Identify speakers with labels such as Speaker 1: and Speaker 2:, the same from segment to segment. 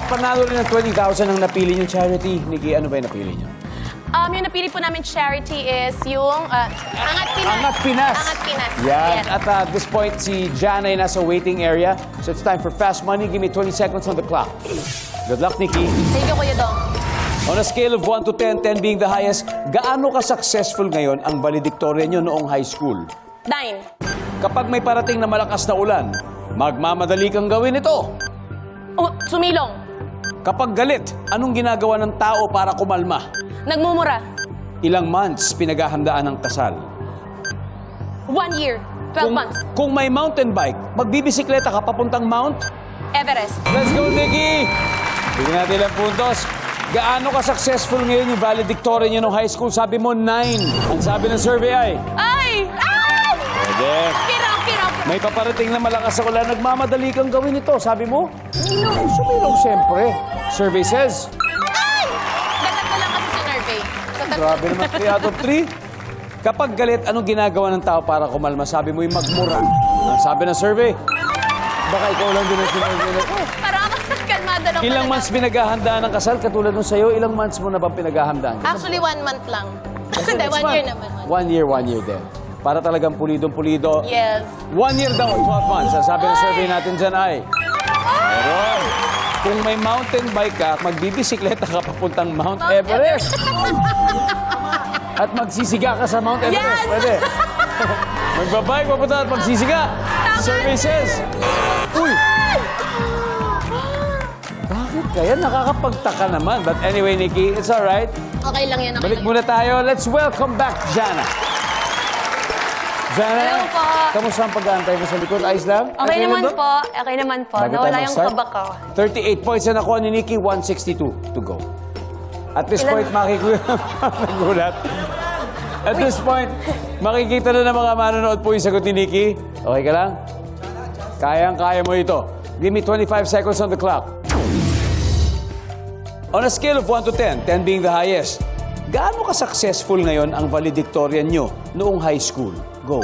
Speaker 1: panalo rin ng 20,000 ang napili niyong charity. Nikki, ano ba yung napili niyo?
Speaker 2: Yung napili po namin charity is yung Angat Pinas.
Speaker 1: Angat Pinas.
Speaker 2: Angat Pinas.
Speaker 1: Yan.
Speaker 2: Yes.
Speaker 1: At at this point, si Jana ay nasa waiting area. So it's time for fast money. Give me 20 seconds on the clock. Good luck, Nikki.
Speaker 2: Thank you, Kuya Dong.
Speaker 1: On a scale of 1 to 10, 10 being the highest, gaano ka-successful ngayon ang valedictorian nyo noong high school?
Speaker 2: 9.
Speaker 1: Kapag may parating na malakas na ulan, magmamadali kang gawin ito.
Speaker 2: Sumilong.
Speaker 1: Kapag galit, anong ginagawa ng tao para kumalma?
Speaker 2: Nagmumura.
Speaker 1: Ilang months pinaghahandaan ng kasal?
Speaker 2: 1 year. 12 months.
Speaker 1: Kung may mountain bike, magbibisikleta ka papuntang Mount?
Speaker 2: Everest.
Speaker 1: Let's go, Nikki! Bigyan natin ilang puntos. Gaano ka-successful ngayon yung valedictorian nyo nung high school? Sabi mo, 9. Ang sabi ng survey ay?
Speaker 2: Ay! Ay!
Speaker 1: Pwede.
Speaker 2: Kirap.
Speaker 1: May paparating na malakas sa ulan, nagmamadali kang gawin ito. Sabi mo? Sumilong, siyempre. Survey says?
Speaker 2: Ay! Dapat lang kasi sa survey.
Speaker 1: Grabe naman, 3 out of 3. Kapag galit, anong ginagawa ng tao para kumalma? Sabi mo yung magmura. Ang sabi ng survey? Baka ikaw lang din ang sinurvey na ito.
Speaker 2: Parang ako kalmado lang.
Speaker 1: Ilang months pinaghahandaan ng kasal? Katulad nung sa'yo, ilang months mo na ba pinaghahandaan?
Speaker 2: Actually, 1 month lang. Hindi, 1 year naman.
Speaker 1: 1 year din. Para talagang pulidong-pulido.
Speaker 2: Yes.
Speaker 1: 1 year daw, 12 months. Ang sabi ng survey natin dyan ay, meron. Kung may mountain bike ka, magbibisikleta ka papuntang Mount Everest. At magsisiga ka sa Mount Everest.
Speaker 2: Yes!
Speaker 1: Pwede. Magbabike, papunta at magsisiga. Survey says, uy! Bakit kaya? Nakakapagtaka naman. But anyway, Nikki, it's alright.
Speaker 2: Okay lang yan.
Speaker 1: Balik muna tayo. Let's welcome back Jana. Jana,
Speaker 2: Hello po.
Speaker 1: kamusta ang pag-aantay mo sa likod? Ayos lang?
Speaker 2: Okay
Speaker 1: Ayos
Speaker 2: naman
Speaker 1: lang
Speaker 2: po. Okay naman po.
Speaker 1: Bago
Speaker 2: Nawala
Speaker 1: tayo
Speaker 2: yung
Speaker 1: mag-start,
Speaker 2: kaba ko.
Speaker 1: 38 points na nakuha ni Nikki, 162 to go. At this point, nagulat. At this point, makikita na ng mga manonood po yung sagot ni Nikki. Okay ka lang? Kayang-kaya mo ito. Give me 25 seconds on the clock. On a scale of 1 to 10, 10 being the highest, gaano ka-successful ngayon ang valedictorian nyo noong high school? Go.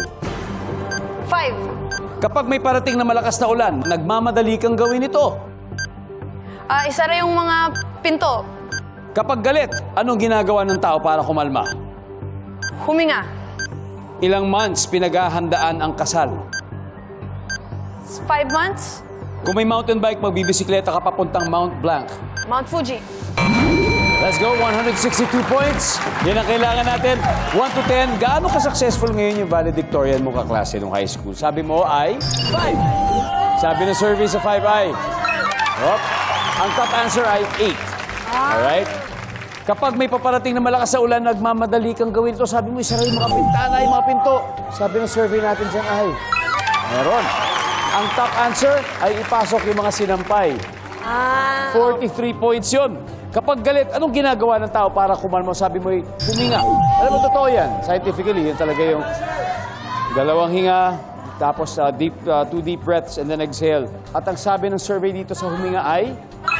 Speaker 2: 5.
Speaker 1: Kapag may parating na malakas na ulan, nagmamadali kang gawin ito.
Speaker 2: Isara yung mga pinto.
Speaker 1: Kapag galit, anong ginagawa ng tao para kumalma?
Speaker 2: Huminga.
Speaker 1: Ilang months pinaghahandaan ang kasal?
Speaker 2: 5 months.
Speaker 1: Kung may mountain bike, magbibisikleta ka papuntang Mount Blanc.
Speaker 2: Mount Fuji.
Speaker 1: Let's go, 162 points. Yan ang kailangan natin. 1 to 10, gaano ka-successful ngayon yung valedictorian mo kaklase nung high school? Sabi mo ay 5. Sabi ng survey sa 5 ay? Hop. Ang top answer ay 8. Alright? Kapag may paparating na malakas sa ulan, nagmamadali kang gawin ito. Sabi mo, isara yung mga pintana, yung mga pinto. Sabi ng survey natin dyan ay? Meron. Ang top answer ay ipasok yung mga sinampay. 43 points yun. Kapag galit, anong ginagawa ng tao para kumalma? Sabi mo, huminga. Alam mo, totoo yan. Scientifically, yan talaga yung dalawang hinga, tapos two deep breaths, and then exhale. At ang sabi ng survey dito sa huminga ay?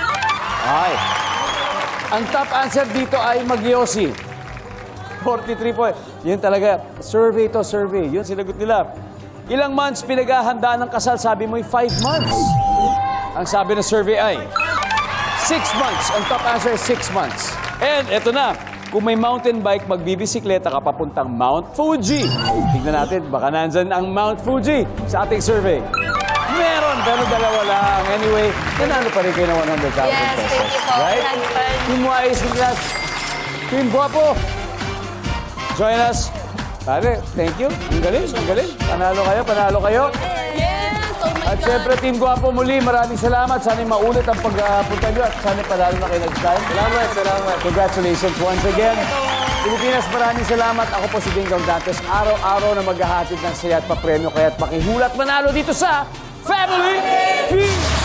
Speaker 1: Ang top answer dito ay magyosi. 43 points. Yan talaga. Survey to survey. Yun, sinagot nila. Ilang months pinaghahandaan ng kasal? Sabi mo, 5 months. Ang sabi ng survey ay 6 months. Ang top answer is 6 months. And eto na, kung may mountain bike, magbibisikleta ka papuntang Mount Fuji. Tignan natin, baka nandyan ang Mount Fuji sa ating survey. Meron, pero dalawa lang. Anyway, nanalo pa rin kayo ng 100,000 pesos.
Speaker 2: Yes, thank you po.
Speaker 1: Right? Team Wise, congrats. Team Guapo, join us. Pare, thank you. Ang galing, ang galing. Panalo kayo.
Speaker 2: Yes! Oh my
Speaker 1: At
Speaker 2: God!
Speaker 1: syempre, Team Guapo, muli, maraming salamat. Sana maulit ang pagpunta nyo at sana panalo na kayo next time. Salamat. Congratulations once again. Pilipinas, maraming salamat. Ako po si Dingdong Dantes. Araw-araw na maghahatid ng saya at papremyo. Kaya't pakihulat manalo dito sa Family Feud!